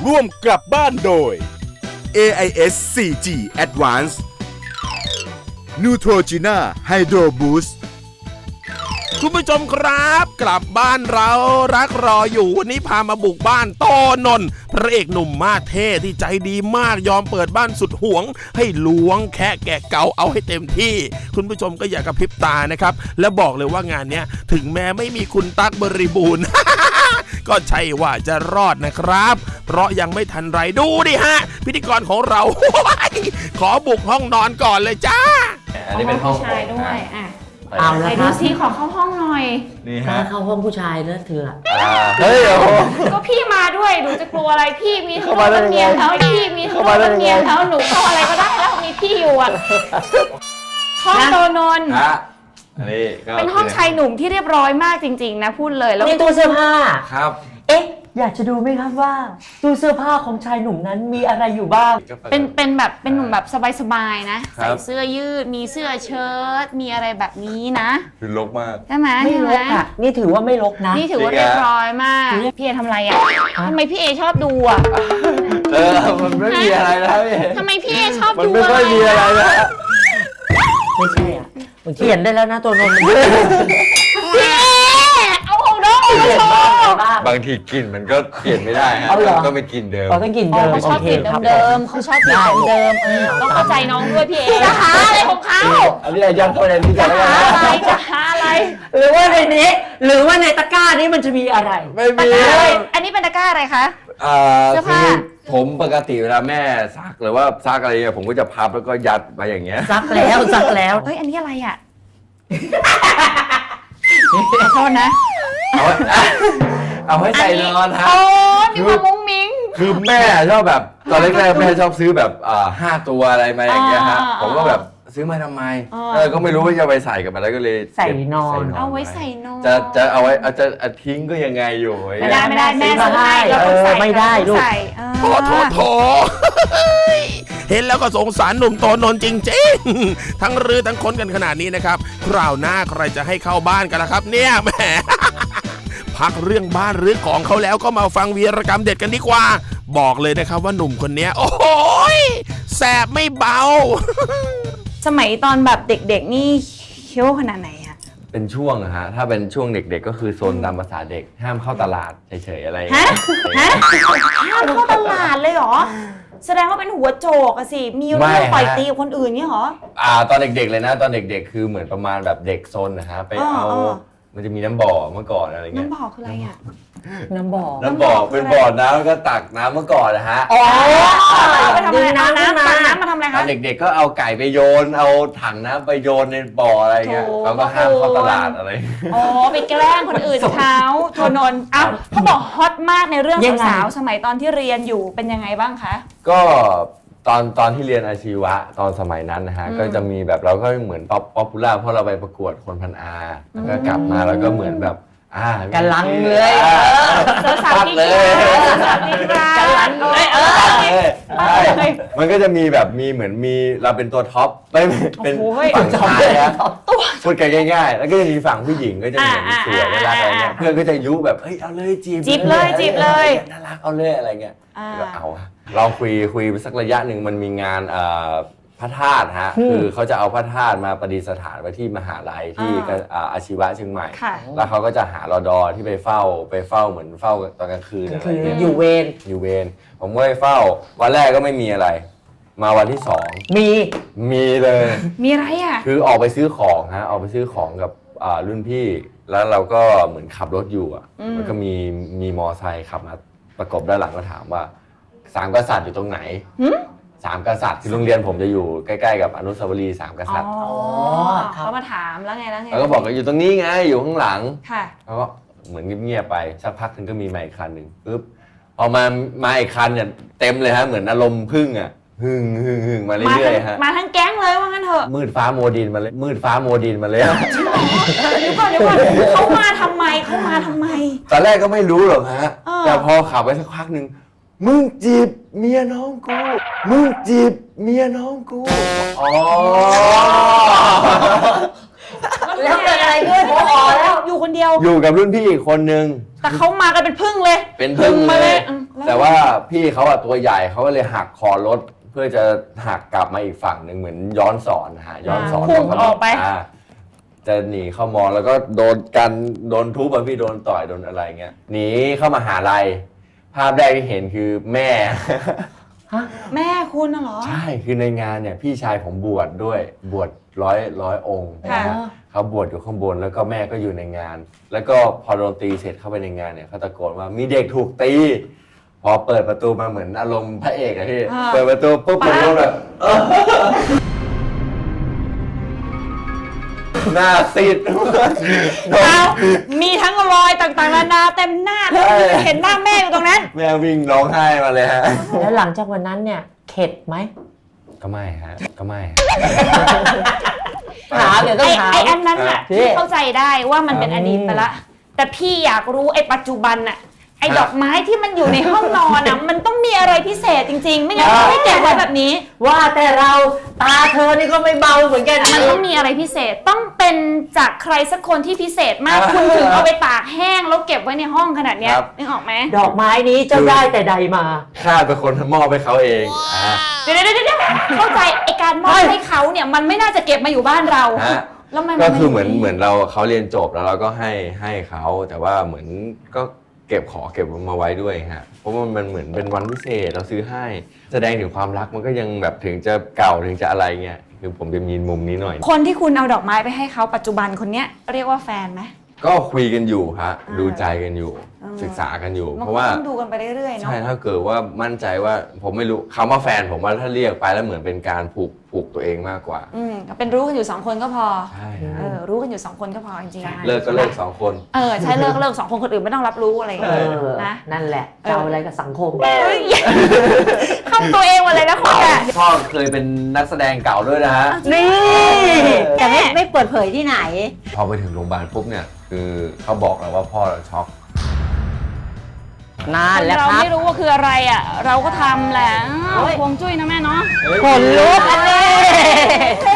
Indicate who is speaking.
Speaker 1: ร่วมกลับบ้านโดย AIS 4G Advance Neutrogena Hydro Boost
Speaker 2: คุณผู้ชมครับกลับบ้านเรารักรออยู่วันนี้พามาบุกบ้านโตนนท์พระเอกหนุ่มมาสเท่ที่ใจดีมากยอมเปิดบ้านสุดหวงให้ล้วงแค่แกะเกาเอาให้เต็มที่คุณผู้ชมก็อย่ากระพริบตานะครับและบอกเลยว่างานนี้ถึงแม้ไม่มีคุณตั๊กบริบูรณ์ ก็ใช่ว่าจะรอดนะครับเพราะยังไม่ทันไรดูดิฮะพิธีกรของเรา ขอบุกห้องนอนก่อนเลยจ้า
Speaker 3: อันนี้เป็นห้อง
Speaker 4: ผู้ชายด้วยอ่ะ
Speaker 3: เอา
Speaker 4: ไหน
Speaker 3: ละค
Speaker 4: ดู
Speaker 3: รับ
Speaker 4: ซิขอเข้าห้องหน่อย
Speaker 3: นี่
Speaker 5: ถ้า
Speaker 3: ฮะ
Speaker 5: เข้าห้องผู้ชายนะเธอ
Speaker 3: เฮ้ยโอ้โห
Speaker 4: ก็พี่มาด้วยหนูจะกลัวอะไรพี่มีเขาเป็นเมียเขาพี่มีเขาเป็นเมียเขาหนูเข้าอะไรก็ได้แล้วมีพี่อยู่อ่ะห้องโตนนท์
Speaker 3: ฮะอันนี้ก็
Speaker 4: เป็นห้องชายหนุ่มที่เรียบร้อยมากจริงๆนะพูดเลยแล้ว
Speaker 5: นี่ตู้เสื้อผ้า
Speaker 3: ครับ
Speaker 5: เอ๊ะ อยากจะดูไหมครับว่าตู้เสื้อผ้าของชายหนุ่มนั้นมีอะไรอยู่บ้าง
Speaker 4: เป็นแบบเป็นหนุ่มแบบสบายๆนะใส่เสื้อยืดมีเสื้อเชิ้ตมีอะไรแบบนี้นะ
Speaker 3: คือรกมาก
Speaker 4: ใช่ไหม
Speaker 5: ไม่รกอ่ะ นี่ถือว่าไม่รกนะ
Speaker 4: นี่ถือว่าเรียบร้อยมากพี่เอทำอะไรอ่ะทำไมพี่เอชอบดูอ่ะ
Speaker 3: มันไม่มีอะไรนะพี่
Speaker 4: ทำไมพี่เอชอบ
Speaker 3: มัน
Speaker 4: ดู
Speaker 3: ไม่
Speaker 4: อะ
Speaker 3: ค่
Speaker 4: ไร
Speaker 3: อยมีอะไรนะ
Speaker 5: ไม่ใช่อ่ะมันเขียนได้แล้วนะตัวนมมัน
Speaker 4: พี่เอเอาของน้องมาโชว์
Speaker 3: บางทีกลิ่นมันก็เปลี่ยนไม่ได้ฮะ
Speaker 5: เอาเหรอ
Speaker 3: ก็ไม่กลิ่นเดิม
Speaker 5: เราต้องกิน
Speaker 4: อ๋อ
Speaker 5: เดิม
Speaker 4: เขาชอบกลิ่น
Speaker 5: ครับ
Speaker 4: เดิมๆเขาชอบกลิ่นเดิมๆต้องเข้าใจน้องด้วยพี่เอจะหาอะไรของเขา
Speaker 3: อันนี้ย้อนเข้าไปในที่
Speaker 4: จะ
Speaker 3: จะ
Speaker 4: หาอะไรจะหาอะไร
Speaker 5: หรือว่าในนี้ หรือว่าในตะกร้านี้มันจะมีอะไร
Speaker 3: ไม่
Speaker 4: ตะ
Speaker 3: มี
Speaker 4: กร้าอะไรอันนี้เป็นตะกร้าอะไรคะ เสื้อผ้า
Speaker 3: คือผมปกติเวลาแม่ซักหรือว่าซักอะไรเนี่ยผมก็จะพับแล้วก็ยัดไปอย่างเงี้ย
Speaker 5: ซักแล้วซักแล้ว
Speaker 4: เฮ้ยอันนี้อะไรอ่ะขอโทษนะ
Speaker 3: เอาให้ใส่นอนฮะ
Speaker 4: โอ้มีความมุ้งมิ้ง
Speaker 3: คือแม่ชอบแบบตอนแรกๆแม่ชอบซื้อแบบ5 ตัวอะไรมาอย่างเงี้ยฮะ ผมก็แบบซื้อมาทำไมก็ไม่รู้ว่าจะไปใส่กับอะไรก็เลย
Speaker 5: ใส่นอน
Speaker 4: เอาไว้ใส่นอน
Speaker 3: จะเอาไว้จะทิ้งก็ยังไงอยู่
Speaker 4: ไม่ได้แม่ซื้อให้เราต้องใส่
Speaker 5: ไม่ได้ลูก
Speaker 4: ใส่
Speaker 2: โถ เห็นแล้วก็สงสารหนุ่มโตนนท์จริงๆ ทั้งรื้อทั้งค้นกันขนาดนี้นะครับคราวหน้าใครจะให้เข้าบ้านกันล่ะครับเนี่ยแหม พักเรื่องบ้านหรือของเขาแล้วก็มาฟังวีรกรรมเด็ดกันดีกว่า บอกเลยนะครับว่าหนุ่มคนนี้โอ้โหแสบไม่เบา
Speaker 4: สมัยตอนแบบเด็กๆนี่เคี้ยวขนาดไหนอะ
Speaker 3: เป็นช่วงอะฮะถ้าเป็นช่วงเด็กๆก็คือโซนตามภาษาเด็กห้ามเข้าตลาดเฉยๆอะไรอย่าง
Speaker 4: ฮะ
Speaker 3: เงี้ย
Speaker 4: ห้ามเข้าตลาดเลยเหรอแสดงว่าเป็นหัวโจกอะสิมีเรื่องต่อยตีกับคนอื่นเนี่ยเหรอ
Speaker 3: ตอนเด็กๆเลยนะตอนเด็กๆคือเหมือนประมาณแบบเด็กซนนะฮะไปเอามันจะมีน้ำบ่อเมื่อก่อนอะไรเงี้ย
Speaker 4: น้ำบ่อคืออะไรอะ
Speaker 5: น้ำบ่อ
Speaker 3: น้ำบ่อเป็นบ่อน้ำแล้วก็ตักน้ำเมื่อก่อนนะฮะ
Speaker 4: อ๋อไปทำอะไรน้ำตักน้ำมาทำอะไร
Speaker 3: ตอ
Speaker 4: คะ
Speaker 3: นเด็กๆก็เอาไก่ไปโยนเอาถังน้ำไปโยนในบ่ออะไรเงี้ย
Speaker 4: โถ
Speaker 3: เราก็ห้ามเข้าตลาดอะไร
Speaker 4: อ๋อไปแกล้งคนอื่นเขาโทนนท์เอ้าเขาบอกฮอตมากในเรื่องสาวๆสมัยตอนที่เรียนอยู่เป็นยังไงบ้างคะ
Speaker 3: ก็ตอนที่เรียนอาชีวะตอนสมัยนั้นนะฮะก็จะมีแบบเราก็เหมือนป๊อปปูล่าเพราะเราไปประกวดคนพันอาแล้วก็กลับมาแล้วก็เหมือนแบบ
Speaker 5: กำลังเลย
Speaker 4: สาวๆกิ๊กสาวๆกิ๊กกันลันเลย
Speaker 3: มันก็จะมีแบบมีเหมือนมีเราเป็นตัวท็อปไม่เป็นฝั่งชายนะพูดกันง่ายๆแล้วก็จะมีฝั่งผู้หญิงก็จะเหมือนสวยน่ารักอะไรเงี้ยเพื่อนก็จะยุแบบเฮ้ยเอาเลยจีบเลยน่ารักเอาเลยอะไรเงี้ยก็เอาเราคุยไปสักระยะหนึ่งมันมีงานพระธาตุฮะคือเขาจะเอาพระธาตุมาประดิษฐานไว้ที่มหาลัยที่อาชีวะเชียงใหม่แล้วเขาก็จะหารอดอที่ไปเฝ้าเหมือนเฝ้าตอนกลางคืนอะไร
Speaker 5: คือ
Speaker 3: เงี้ย
Speaker 5: อยู่เวร
Speaker 3: อยู่เวรผมก็ไปเฝ้าวันแรกก็ไม่มีอะไร มาวันที่2มีเลย
Speaker 4: มีอะไรอ่ะ
Speaker 3: คือออกไปซื้อของฮะออกไปซื้อของกับรุ่นพี่แล้วเราก็เหมือนขับรถอยู่มันก็มีมอไซค์ขับมาประกบด้านหลังก็ถามว่า3 กษัตริย์อยู่ตรงไหน3 กษัตริย์ที่โรงเรียนผมจะอยู่ใกล้ๆกับอนุสาวรีย์3 กษัตริย์
Speaker 4: เขามาถามแล้วไง
Speaker 3: แล้วก็บอกว่าอยู่ตรงนี้ไงอยู่ข้างหลัง
Speaker 4: ค่ะ
Speaker 3: แล้วก็เหมือนเงียบๆไปสักพักนึงก็มีมาอีกคันหนึ่งปุ๊บพอมาอีกคันเนี่ยเต็มเลยฮะเหมือนอารมณ์พึ่งอ่ะหึ่งมาเรื่อยๆฮะ
Speaker 4: มาทั้งแก๊งเลยว่างั้นเถอะ
Speaker 3: มืดฟ้าโมดินมาเลย
Speaker 4: เดี๋ยวก่อนเขามาทำไม
Speaker 3: ตอนแรกก็ไม่รู้หรอกฮะแต่พอขับไปสักพักหนึ่งมึงจีบเมียน้องกูอ๋อ
Speaker 5: แล้วเกิดอะไรขึ้นพอแล้ว
Speaker 4: อยู่คนเดียว
Speaker 3: อยู่กับรุ่นพี่อีกคนนึง
Speaker 4: แต่เขามากันเป็นพึ่งเลย
Speaker 3: เป็นพึ่ง
Speaker 4: มา
Speaker 3: เล
Speaker 4: เลย ย
Speaker 3: แต่ว่าพี่เขาอะตัวใหญ่เขาก็เลยหักคอรถเพื่อจะหักกลับมาอีกฝั่งหนึ่งเหมือนย้อนสอนนะฮะย้อนสอน
Speaker 4: พุ่งออกไป
Speaker 3: จะหนีเข้ามอแล้วก็โดนกันโดนทุบอะพี่โดนต่อยโดนอะไรเงี้ยหนีเข้ามาหาลัยภาพแรกที่เห็นคือแม่
Speaker 4: แม่คุณน่ะเหรอ
Speaker 3: ใช่คือในงานเนี่ยพี่ชายผมบวชด้วยบวชร้อยองค์
Speaker 4: ค่ะ
Speaker 3: นะฮะเขาบวชอยู่ข้างบนแล้วก็แม่ก็อยู่ในงาน แล้วก็พอโดนตีเสร็จเข้าไปในงานเนี่ยเขาตะโกนว่ามีเด็กถูกตีพอเปิดประตูมาเหมือนอารมณ์พระเอกอะพี่เปิดประตูปุ๊บผมก็แบบหน้าซีด
Speaker 4: เอามีทั้งรอยต่างๆนานาเต็มหน้าแล้วเห็นหน้าแม่อยู่ตรงนั้น
Speaker 3: แม่วิ่งร้องไห้มาเลยฮะ
Speaker 5: แล้วหลังจากวันนั้นเนี่ยเข็ดไหม
Speaker 3: ก็ไม่ฮะก็ไม่ฮะ
Speaker 5: ถามเดี๋ยวต้องถาม
Speaker 4: ไอ้อันนั้นน่ะ
Speaker 5: พี่
Speaker 4: พี่เข้าใจได้ว่ามันเป็นอดีตไปละ แต่พี่อยากรู้ไอ้ปัจจุบันน่ะไอ้ดอกไม้ที่มันอยู่ในห้องนอนน่ะมันต้องมีอะไรพิเศษจริงๆ ไม่งั้นเขาไม่เก็บไว้แบบนี้
Speaker 5: ว่าแต่เราตาเธอนี่ก็ไม่เบาเหมือนกัน
Speaker 4: มันต้องมีอะไรพิเศษต้องเป็นจากใครสักคนที่พิเศษมากคุณถึงเอาไปตากแห้งแล้วเก็บไว้ในห้องขนาดเนี้ยนึกออกไหม
Speaker 5: ดอกไม้นี้เจ้าได้แต่ใดมา
Speaker 3: ข้าเป็นคนมอบให้เขาเองอ่ะ
Speaker 4: เดี๋ยวเข้าใจไอ้การมอบให้เขาเนี่ยมันไม่น่าจะเก็บมาอยู่บ้านเรา
Speaker 3: ฮะ
Speaker 4: แล้วมัน
Speaker 3: ก็คือเหมือนเราเขาเรียนจบแล้วเราก็ให้เขาแต่ว่าเหมือนก็เก็บมาไว้ด้วยฮะเพราะว่ามันเหมือนเป็นวันพิเศษเราซื้อให้แสดงถึงความรักมันก็ยังแบบถึงจะเก่าถึงจะอะไรเงี้ยคือผมจะมีมุมนี้หน่อย
Speaker 4: คนที่คุณเอาดอกไม้ไปให้เขาปัจจุบันคนเนี้ยเรียกว่าแฟนไหม
Speaker 3: ก็คุยกันอยู่ฮะดูใจกันอยู่ ศึกษากันอยู่
Speaker 4: มัน
Speaker 3: เพราะ
Speaker 4: ก็
Speaker 3: ว่า
Speaker 4: ต้องดูกันไปเรื่อยๆเนาะ
Speaker 3: ใช่ถ้าเกิดว่ามั่นใจว่าผมไม่รู้คำว่าแฟนผมว่าถ้าเรียกไปแล้วเหมือนเป็นการผูกตัวเองมากกว่า
Speaker 4: ก็เป็นรู้กันอยู่2คนก็พอ
Speaker 3: ใช่ฮะ
Speaker 4: รู้กันอยู่2คนก็พอจริงๆ
Speaker 3: เลิกก็เลิก2 คน
Speaker 4: ใช่เลิก2คนคนอื่นไม่ต้องรับรู้อะไรอย่าง
Speaker 5: เอ
Speaker 4: เงี้ย
Speaker 5: อ
Speaker 4: นะ
Speaker 5: นั่นแหละจะเอาอะไรกับสังคม
Speaker 4: เข้าตัวเองหมดเลยนะคุณอ่ะ
Speaker 3: พ่อเคยเป็นนักแสดงเก่าด้วยนะฮะ
Speaker 5: นี่
Speaker 6: แต่ไม่เปิดเผยที่ไหน
Speaker 3: พอไปถึงโรงพยาบาลปุ๊บเนี่ยคือเขาบอกเราว่าพ่อเราช็อก
Speaker 5: นั่นแหละ
Speaker 4: เรา
Speaker 5: ครับ
Speaker 4: ไม่รู้ว่าคืออะไรอ่ะเราก็ทำแหละฮวงจุ้ยนะแม่เนาะ
Speaker 5: ขนลุกอันนี้